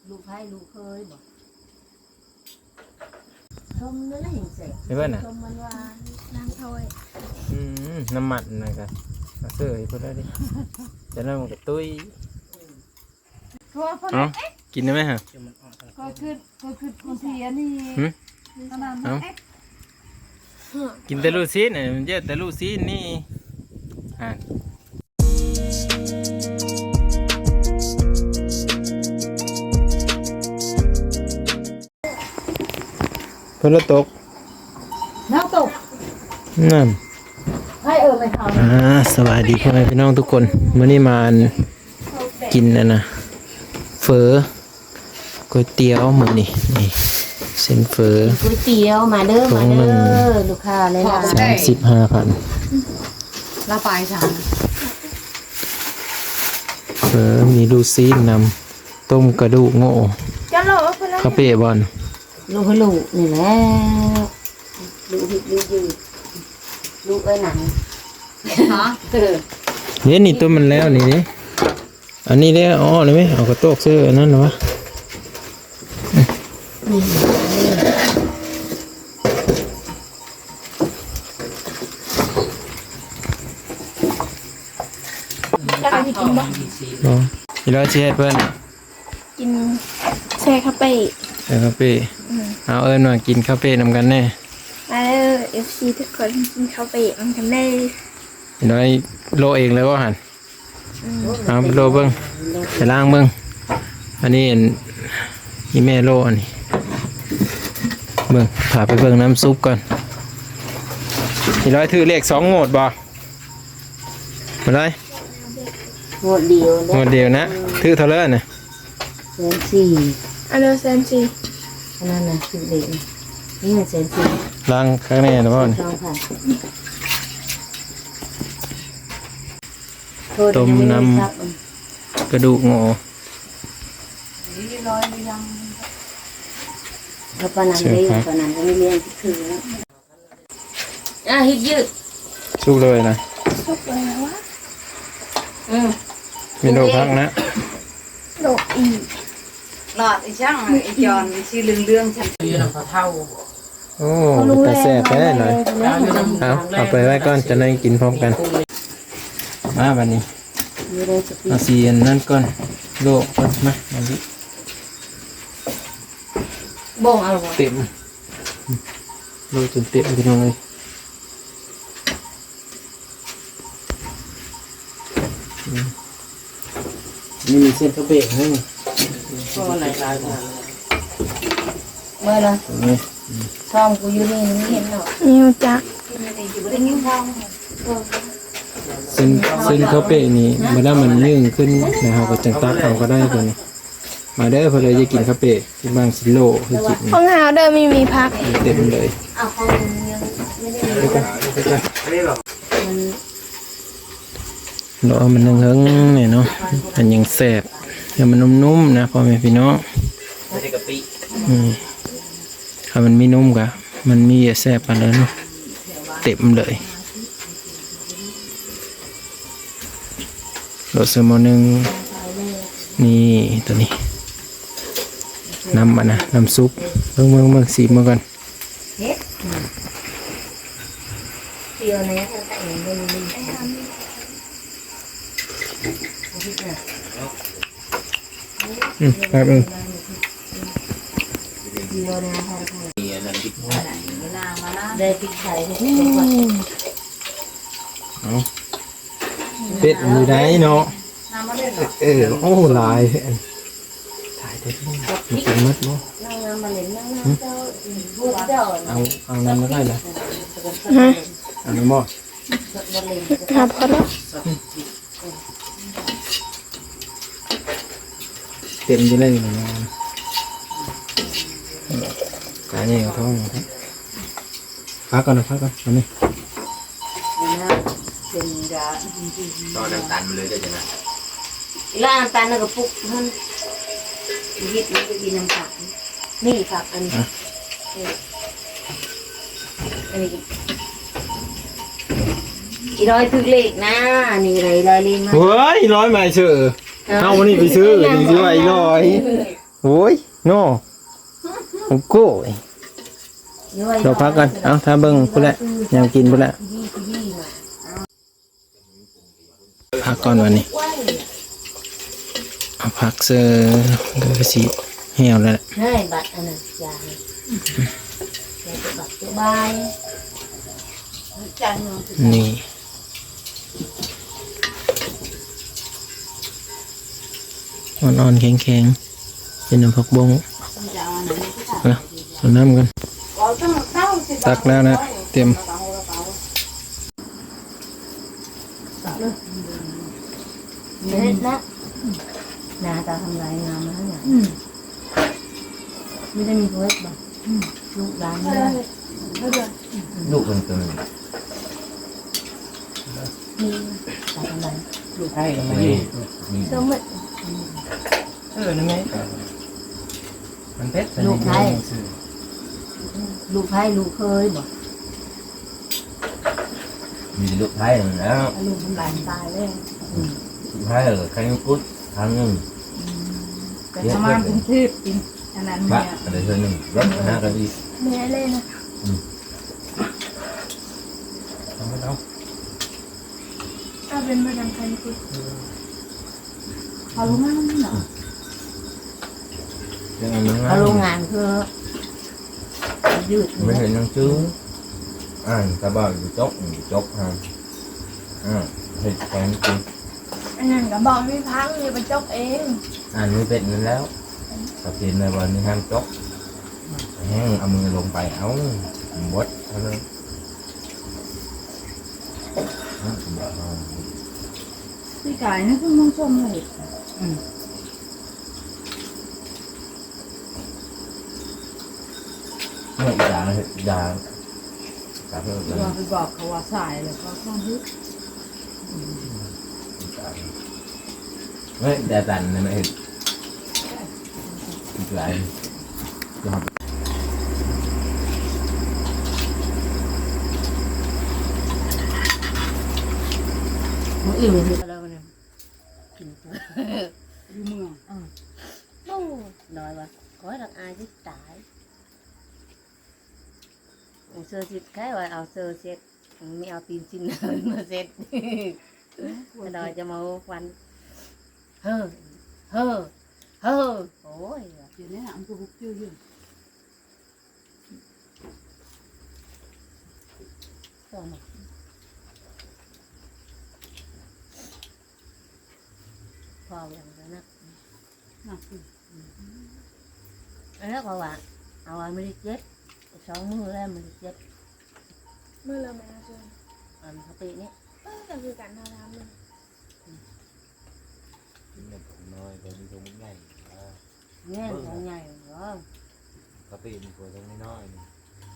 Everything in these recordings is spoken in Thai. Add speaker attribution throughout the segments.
Speaker 1: ลูกให้ลูกเคยบอกชมนั่นแหละเห็นเสร็จ
Speaker 2: ไอ้เพื่อนน่ะ
Speaker 1: ชมมันว่า
Speaker 3: น้ำถ้วย
Speaker 2: น้ำมันนะครับมาเสื้อให้เพื่อนได้ดิจะนั่งมันกับตุ้ย
Speaker 1: เพราะว่า
Speaker 2: เอ้ากินได้ไหมฮะ
Speaker 1: ก็คือคนเสียนี่ขนาดนั้น
Speaker 2: กินแต่ลูกซีนเนี่ยมันเยอะแต่ลูกซีนนี่เพื่อนตก
Speaker 1: น้ำตก
Speaker 2: นั่น
Speaker 1: ให้ไม่ทำ
Speaker 2: สวัสดีพ่อแม่พี่น้องทุกคนวันนี้มากินนะเฟอก๋วยเตี๋ยวมื้อนี้นี่เส้นเฟอ
Speaker 1: ก๋วยเตี๋ยวมาเด้อมาเด้อลูกค้าเลยล่ะ
Speaker 2: 35,000
Speaker 1: ละปลายสาม
Speaker 2: เฟอมีลูกซีนนำต้มกระดูกโง่
Speaker 3: จะโหลไปแล้ว
Speaker 2: คาเฟ่บอล
Speaker 1: ลูกให้ลูกนี่แหละลูกฮิตลูกยืดลูกเอ้ยหนังฮะ
Speaker 2: เนี่ยนี่ตัวมันแล้วนี่ดิอันนี้ได้อ๋อเลยไหมเอากระโตกเสื้อนั่นหรอวะ
Speaker 3: จะไปกินบ่
Speaker 2: อีร้อยเช็ดเพื่อน
Speaker 3: กินแช่คาเฟ่
Speaker 2: คาเฟ่เอาเอิญมากินคาเฟ่นำกันแน่
Speaker 3: มาเด้อ FC ทุกคนกินคาเฟ่มันกันได้
Speaker 2: อีร้อยโลเองเลยว่าหันเอาโลเบิ้งไปล้างเบิ้งอันนี้อีแม่โลอันนี้เบิ้งพาไปเบิ้งน้ำซุปก่อนอีร้อยถือเลข2 โงดบ่มาเลย
Speaker 1: หมดเดียว
Speaker 2: โงดเดียวนะถือเท่าไรเนี่ย
Speaker 1: เซนสี่
Speaker 3: อันเดอร์เซนซี
Speaker 1: อันนั้นนะคือเด็กนี่มันเซนสี่
Speaker 2: ล้างข้างในนะพ่อนี่
Speaker 1: ต้องค่ะ
Speaker 2: ต้มน้ำกระดูกโง่
Speaker 1: แล้วปานันได้ปานันก็ไม่เลี้ยงถือแล้วฮิตยืด
Speaker 2: สุกเลยนะ
Speaker 3: สุกแล้ววะ
Speaker 2: มีโลพักนะ
Speaker 3: โหลอีก
Speaker 4: หลอดไอ้ช่างไอ้จอนชื่อเรื่องฉัน
Speaker 2: โอ้แต่แซ่บแท้หน่อยเอาไปไว้ก่อนจะได้กินพร้อมกันมาวันนี้
Speaker 1: ไม่ได้สติ
Speaker 2: เอาสีอันนั่นก่อนโลก่อนมาอันนี้
Speaker 1: บ่งเอาหรอ
Speaker 2: เต็มโลจนเต็มพี่น้องเลยนี่มีเส้นข้าวเบะให้
Speaker 1: เมื่อไรช่องกูอยู่นี่ไม่เห็นหรอก
Speaker 3: นิวจัก
Speaker 2: เส้นข้าวเบะนี่เมื่อมันยื่นขึ้นนะครับก็จังตักเอาก็ได้ตัวนี้มาได้พอเลยจะกินข้าวเบะที่บางสิโลคือกิน
Speaker 3: ห้องหาวเดิมมีพัก
Speaker 2: เต็มเลย
Speaker 1: เอาเขายังไม่ได้
Speaker 2: ไปกันไปกัน
Speaker 1: มัน
Speaker 2: เราเอามันเฮิงๆเนี่ยเนาะมันยังแสบให้มันนุ่มๆนะพ่อแม่พี่น้องถ้ามันไม่นุ่มกะมันมีแสบไปเลยเนาะเต็มเลยโรสเซอร์โมนึงนี่ตัวนี้น้ำมันนะน้ำซุปเบิ่งสีมาก่อน
Speaker 1: เตียวเนี่ยเขาแต่งเป็น
Speaker 2: ครับ
Speaker 1: เตียวเนี่ยเขาได้พริกไทย
Speaker 2: เป็ดมีได้เนาะโอ้ลายถ่ายได้มันเป็นมัดเนาะ
Speaker 1: นั่งน้ำมาเล่นนั่งน้ำเจ้าพูดเจ้า
Speaker 2: เอาน้ำมาได้ละ
Speaker 3: ฮะ
Speaker 2: เอาน้ำบ่
Speaker 3: ครับพอแล้ว
Speaker 2: เต็มจะได้เลยนะกายเนี่ยท้องพักก่อนนะพักก่อนเอาไหม
Speaker 1: เป็นกะ
Speaker 5: ตอนน้ำตาลมาเลยได้จังนะ
Speaker 1: แล้วน้ำตาลแล้วก็ปุ๊กท่านฮิตมันจะกินน้ำตาลนี่ครับอันนี้อีร้อยถึกเลขนะนี่เลยร้อยลิ้นมา
Speaker 2: เฮ้ยร้อยใหม่เชื่อเอาวันนี้ไปซื้อนี่ซื้อไว้ร้อยโอ้ยโน่โอ้โก้ย
Speaker 1: ย้อย
Speaker 2: เราพักกันเอาถ้าเบิ่งพุ่นแหละยังกินพุ่นแหละ
Speaker 1: ยี่ยี่น่ะ
Speaker 2: พักก่อนวันนี้เอาพักเสื้อเดี๋ยวก็สิเหี่ยวแล้วแหละ
Speaker 1: ให้บัตรอันนั้นยาอยากจะบัตรสบาย
Speaker 4: จังเนาะ
Speaker 2: นี่อ่อนๆแข็งๆเป็นน้ำผักบง
Speaker 4: จะเอาอันไหนก็ได้
Speaker 2: เอาเอาน้ำกัน
Speaker 4: เอาตั้งเต้าสิ
Speaker 2: ตักแล้วนะเตรียม
Speaker 1: เด็ดนะนาตาทำลายงามนะเนี่ยไม่ได้มีเพื่อนบ่ลูกหลานเลย
Speaker 5: ลูกมันตัว
Speaker 1: มีตาทำลาย
Speaker 2: ลูกไผ่
Speaker 5: นี้
Speaker 1: ก็ไม่
Speaker 2: นั่นไงมันเพชร
Speaker 1: ลูกไทยลูกไทยลูกเคยบ่
Speaker 5: มีลูกไทยแล้ว
Speaker 1: ลูกทำลายตายเลย
Speaker 5: ลูกไทยใครกุ๊ดทางนึง
Speaker 4: แต่ประมาณกรุงเทพจริงอันนั้น
Speaker 5: บ้า
Speaker 4: เนี่ย
Speaker 5: อะไรเท่านึงรถหน้ากันอีก
Speaker 3: แม่เลยนะ เอาเป็นมาดังคันคุย
Speaker 4: เอาลงมาเนาะ
Speaker 5: ยังไงมึง
Speaker 1: เอาโรงงานคือยืด
Speaker 5: ไม่เห็นยังชื่อตาบ้าอยู่จกฮะเห็ดแกงกิน
Speaker 3: อันนั้นก็บอกไม่พังเลยไปจกเอง
Speaker 5: ไม่เป็นนั่นแล้วตัดสินในวันนี้ห้ามจกแห้งเอามือลงไปเอาบดเท่านั้น
Speaker 4: พี่กายนี่คือมึงชมเลย
Speaker 5: เมื่ออีกอย่างจากเพื่อน
Speaker 4: เราไปบอกเขาว่าสายเลยเขาต้องฮึด
Speaker 5: ไม่แต่ตันนะไม่เห็นอีกหลายจะทำ
Speaker 1: มึงอิ่มเลยแล้วเนี่ยกิน
Speaker 4: อยู่เมือง
Speaker 1: โอ้น้อยวะขอให้รักอายที่ตายเสื้อซิดแค่ว่าเอาเสื้อเซ็ตไม่เอาตีนชิ้นมาเซ็ตน้อยจะมาฟันเฮ้อเฮ้อเฮ้อโอ้ย
Speaker 4: เดี๋ยวนี้อันก็บุกชื่ออยู่
Speaker 1: ก็มาพออย่างนั้นนะ
Speaker 4: หนักอยู่
Speaker 1: อันนั้นก็ว่าเอาไว้ไม่ได้เจ็บสองมือแล้วไม่ได้เจ็บ
Speaker 3: เมื่อเราแม่ชวน
Speaker 1: อันสตินี้
Speaker 3: ก็คือการทำเลย
Speaker 5: น้อยตัวนี้ตัวใหญ่
Speaker 1: แง่ของใหญ่เหรอ
Speaker 5: กระปีนตัวตรงนี้น้อยนี่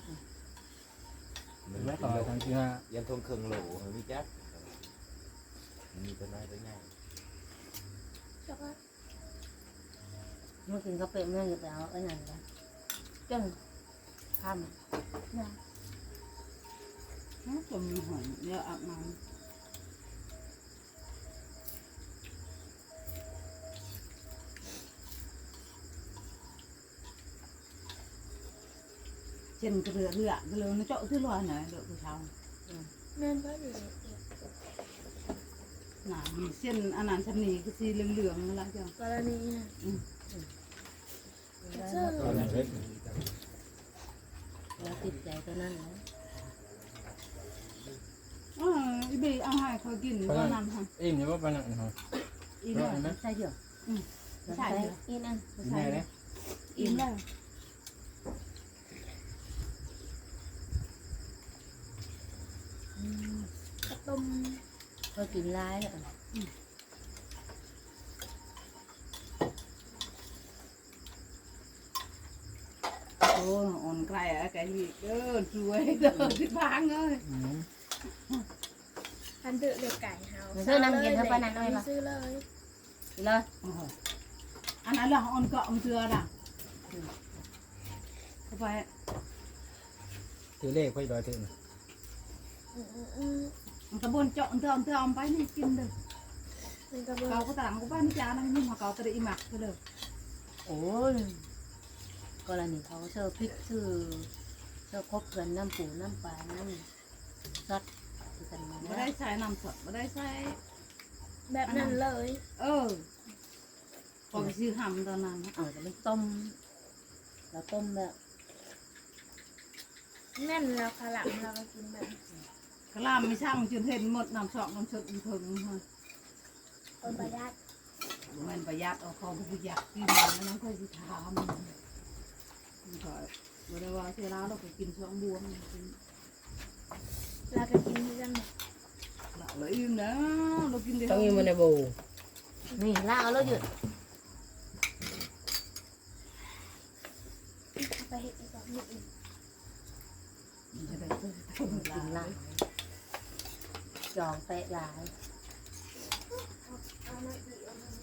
Speaker 5: มัน
Speaker 2: ไม่
Speaker 5: ไม่
Speaker 2: ต่
Speaker 5: ต่
Speaker 2: อ
Speaker 5: อ
Speaker 2: ทางที่ห้า
Speaker 5: ยันทงเครื่องโหลมันมีแจ๊บมันมีตัวน้อยตัวใหญ่
Speaker 3: แล้วก็
Speaker 1: เมื่อกินกาแฟเมื่อจะไปเอาไอ้นั่นกันจังทำ
Speaker 4: จมมีหอยเยอะอาบน้ำเช่นกระเรือก็เลยnó chỗ thứ loài này được của cháu
Speaker 3: แม่นก็อยู่
Speaker 4: น่ะมีเส้นอันนั้นชั้นนี้ก็สีเหลืองๆนั่นแหละจ้ะ
Speaker 3: กรณีนะเสื้อ
Speaker 1: เราติดใจตัวนั้นนะ
Speaker 4: อีบีเอาให้เขากินว่านำค่ะ
Speaker 2: อิ่มอยู่ว่าปานนั้นเหรอ
Speaker 4: อีเนี่ย
Speaker 1: ใช่เดี๋ยวใช่อีนั่น
Speaker 2: แม่เลย
Speaker 4: อีแล้ว
Speaker 3: กระต้ม
Speaker 1: ก็กินร้ายแล้ว
Speaker 4: โอ้อ่อนไกลอะไก่หีเด้อช่วยเด้อที่พังเลย
Speaker 3: พันเดือดเลือไก่เฮา
Speaker 1: ซื้อน้ำเย็นเท่าปานนั้นเลยปะ
Speaker 3: ซื้อเลย
Speaker 1: กินเลย
Speaker 4: อันนั้นเราอ่อนเกาะมันเตือน่ะเข้าไป
Speaker 2: ถือเลขค่อยดอยถึง
Speaker 4: มันกระบวนเจาะเตือมไปนี่กินเด้อ
Speaker 3: มันกระเบื้อ
Speaker 4: เขาก็ต่างกูบ้านนี่จ้านั่นนี่มาเขาตะอีหมักก็เลย
Speaker 1: โอ้ยกรณีเขาเชื่อพริกชื่อเชื่อคบเพื่อนน้ำปูน้ำปลาน้ำซอสคือกันมา
Speaker 4: ไม่ได้ใช้น้ำสดไม่ได้ใช้
Speaker 3: แบบนั้นเลย
Speaker 4: พอไปซื้อหำตอนนั้น
Speaker 1: แต่มันต้มเราต้มแบบ
Speaker 3: แม่นเราขลังเราก็กินแบบ
Speaker 4: กะลามไม่ช่างจนเห็นหมดน้ำสอกน้ำสดมันถึงฮะ
Speaker 3: คนประหยัด
Speaker 4: มันประหยัดเอาของประหยัดกินแล้วน้องค่อยสิถามมันก็บ่ได้ว่าเวลาเราก็กินช่องบวมกิน
Speaker 3: เราก็กินที่กันหมด
Speaker 4: ละเลยอิ่มนะเรากินได้
Speaker 2: ต้องอยู่ในโบ
Speaker 1: นี่ลากเอาแล้วหยุด
Speaker 3: เอาไปเห็ดอีกแบบนี้อีก
Speaker 4: จะได้เพิ่ม
Speaker 1: กินลากจองเตะหลาย
Speaker 3: เอามาอีกเอามา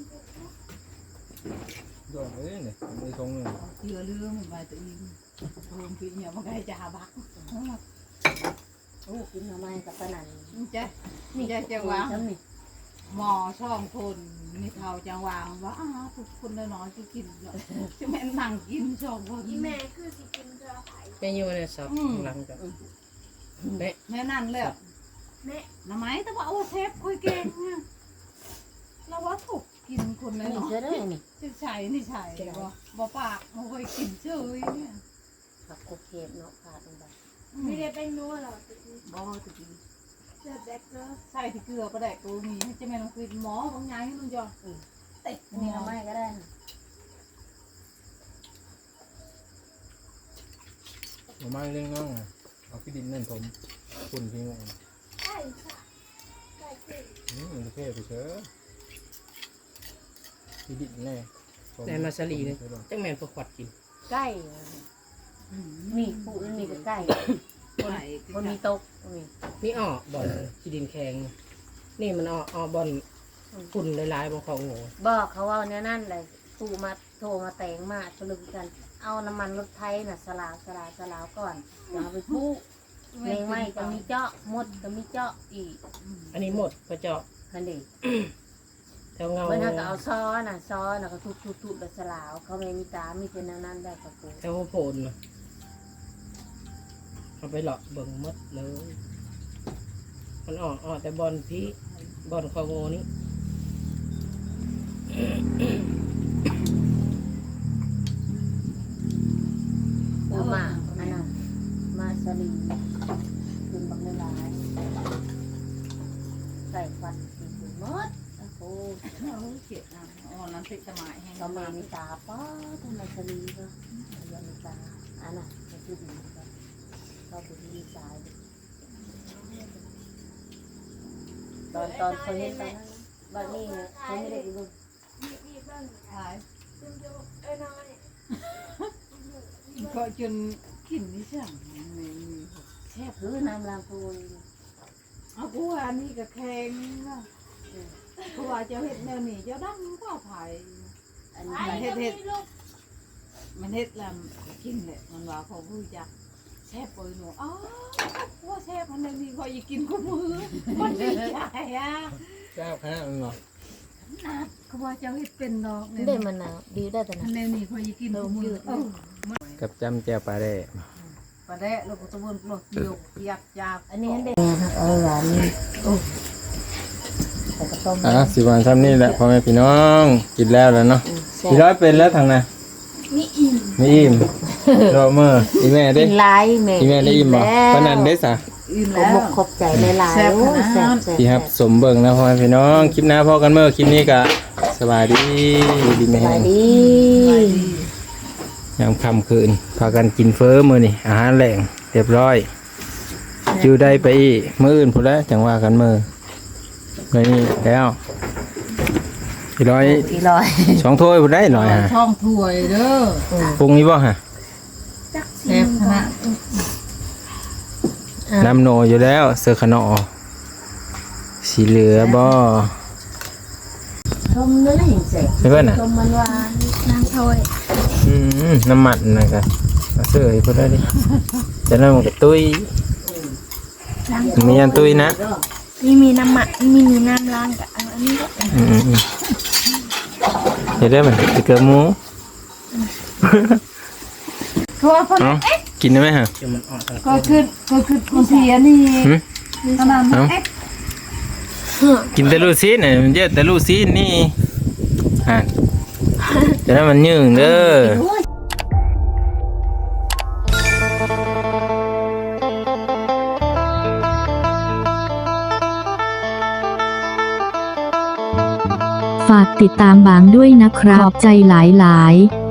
Speaker 3: อีก
Speaker 2: ดอกเอ้ยเนี่ยมีทงเลย
Speaker 4: เชื่อเรื่องมันไปตัวเองเพิ่มปีเนี่ยมันก็ให้จะหาบัก
Speaker 1: โอ้กินทำไมกับปนัน
Speaker 4: นี่จะจังหวะ
Speaker 1: จำนี่
Speaker 4: หมอช่องคนนี่เท่าจังหวะว่าทุกคนน้อยๆจะกินจะแม่นั่งกินช่องคน
Speaker 3: อีแม่คือสิกินเกลือไผ่
Speaker 2: แม่อยู่ในซับหลังจาก
Speaker 4: แม่นั่นเลย
Speaker 3: แม่
Speaker 4: น้ำไม้แต่ว่าโอ้เชฟคุยเก่งเนี่ยเราว่าถูกกินคนเลย
Speaker 1: นี่
Speaker 4: เนาะ
Speaker 1: เชื่อได้นี่
Speaker 4: จะใช่นี่ใช่บ่ปากบ่เคยกินเฉยเนี่ย
Speaker 1: ผักโคเคบเนาะขาดลงไป
Speaker 3: ไม่ได้เป็นนัวหรอกติด
Speaker 4: บ่ตะกี้
Speaker 3: เลือดแบล็คเกอร์
Speaker 4: ใส่ที่เกลือก็ได้ตัวนี้จะแม่ต้องคุยหมอบางอย่างให้มันจ่อเตะ
Speaker 1: นี่
Speaker 4: นี่
Speaker 1: ทำไมก็ได้
Speaker 2: หน่อไม้เลี้ยงน้องเอาขี้ดินนั่นผมฝุ่นทิ้งไว้
Speaker 3: ใช่ค่ะใช่คือ
Speaker 2: มันจะเท่ไปเชอะขี้ดินแน่
Speaker 6: ในมาสลีเนี่ยจังแมนพวกขวัดกิน
Speaker 1: ใกล้นี่ปูนี่ก็ใกล้
Speaker 4: คนไหน
Speaker 1: คนมีตกนี่
Speaker 6: นี่อ้อบอลขี้ดินแข็งนี่มันอ้อบอลฝุ่นหลายๆบนของโง่
Speaker 1: บอกเขาว่าเนี่ยนั่นเลยตูมาโทรมาแต่งมาตะลึงกัน เอาน้ำมันรถไทยน่ะสลาวก่อนอย่าเอาไปปุ๊เมงไม่จะมีเจาะมดจะมีเจาะอีก
Speaker 6: อันนี้หมดกระเจาะ
Speaker 1: คันเด็ก
Speaker 6: แถวเงา
Speaker 1: เมื่อถ้าก็เอาซ้อน่ะก็ทุบๆแล้วสลาวเขาไม่มีตามีแต่นั่นได้กับปู
Speaker 6: แถวโพนน่ะเอาไปหลอกเบิ่งหมดเลย มันออกแต่บอลพี่บอลของโง่นี่
Speaker 1: ปูมาอันนั้นมาสลีขึ้นบักหลายใส่ฟันขึ้นหมดโอ้โห
Speaker 4: เขียดนะอ๋อน้ำพริกสมัยแห้ง
Speaker 1: เราไม่มีตาป้าทำไมสลีก็ยังมีตาอันน่ะก็คือดีก็เราไปที่สายตอนเขาเห็นตอนนั้นบ้านนี้เนี่ยเขาไม่ได้ดู
Speaker 3: มีเบิ้ง
Speaker 4: ขาย
Speaker 3: จุ่มน้อย
Speaker 4: ก็จนกินนี่ช่างแซ่บ
Speaker 1: คือน้ำลางปูน
Speaker 4: เอากูว่านี่ก็แข็งกูว่าเจ้าเห็ดแนวนี้เจ้าดังก็ไผ่
Speaker 1: อัน
Speaker 3: ๆ
Speaker 1: นี้
Speaker 3: ไอ้ก็มีลูก
Speaker 4: มันเห็ดแล้วกินเลยมันว่าเขาพูดจักแซ่บปอยหนูอ๋อว่าแซ่บมันเลยนี่คอยกินคู่มือมันดีใจอ่ะ
Speaker 2: เจ้าคณะมันบอก
Speaker 4: นัดเขาว่าเจ้าเห็ดเป็นดอก
Speaker 1: ได้มันนะดีได้แต่
Speaker 4: อั
Speaker 1: นะ
Speaker 4: นนี้คอยกินคู่มือ
Speaker 2: กับจำแจ่วปลาแร่
Speaker 4: ปลาแดะลูกตะวันปลอกยกยับจับ
Speaker 1: อันนี้เด็กเอาหวานนี่ใส่กระต้ม
Speaker 2: สิวันซ้ำนี่แหละพ่อแม่พี่น้องกินแล้วเนาะพี่ร้อยเป็นแล้วทางน่ะ
Speaker 3: มีอิ่ม
Speaker 2: ไม่อิ่มรอเมื่ออีแม่ได้
Speaker 1: กินลายแม่
Speaker 2: อีแม่ได้อิ่มบ่ปานนั้นได้ซะ
Speaker 4: อิ่ม
Speaker 1: ข
Speaker 4: แล้ว
Speaker 1: บขบใจหลายๆโอ้ยแซ่บ
Speaker 2: พี่ครับสมเบิ่งนะพ่อแม่พี่น้องคลิปหน้าพ่อกันเมื่อคลิปนี้ก็สบายดีดีไหม
Speaker 1: ส
Speaker 2: ฮะ
Speaker 1: บายดี
Speaker 2: ยามค่ำคืนพากันกินเฟ้อมื้อนี่อาหารแหล่งเรียบร้อยอยู่ได้ไปอีกมื้ออื่นพุ่นแล้วจังว่ากันมื้อเลยนี่แล้วพี่ร้อย
Speaker 1: อีร้อย
Speaker 2: สองถ้วยพุ่นได้หน่อยฮะ
Speaker 4: ช่องถ้วยเด้อ
Speaker 2: ปรุงนี้บ่ฮะ
Speaker 3: จัก
Speaker 4: แซ่บขนาด
Speaker 2: น้ำโนอยู่แล้วเสือขนอสีเหลือบ่
Speaker 1: ชมเนื้อเห็นเสร็จ
Speaker 2: ใช่เพื่อนน่ะ
Speaker 1: ชมมันหวาน
Speaker 3: น้ำถ้วย
Speaker 2: น้ำมันนะครับเอาเสือให้เพื่อนได้ดิจะนั่งกับตุ้ยมีอันตุ้ยนะ
Speaker 3: มีน้ำมันมีน้ำล้างกับอันนี้ก็
Speaker 2: เห็นได้ไหมเกลือหมู
Speaker 4: เขาว่าคน
Speaker 2: เอากินได้ไหมฮะ
Speaker 6: เดี๋ยวมันออกทาง
Speaker 4: ก็คือคนเสียนี่
Speaker 2: หืม
Speaker 4: ขนาดนั้น
Speaker 2: กินแต่ลูกซีนเนี่ยมันเยอะแต่ลูกซีนนี่จะได้มันยืงเด้อ
Speaker 7: ฝากติดตามบางด้วยนะครับขอบใจหลายๆ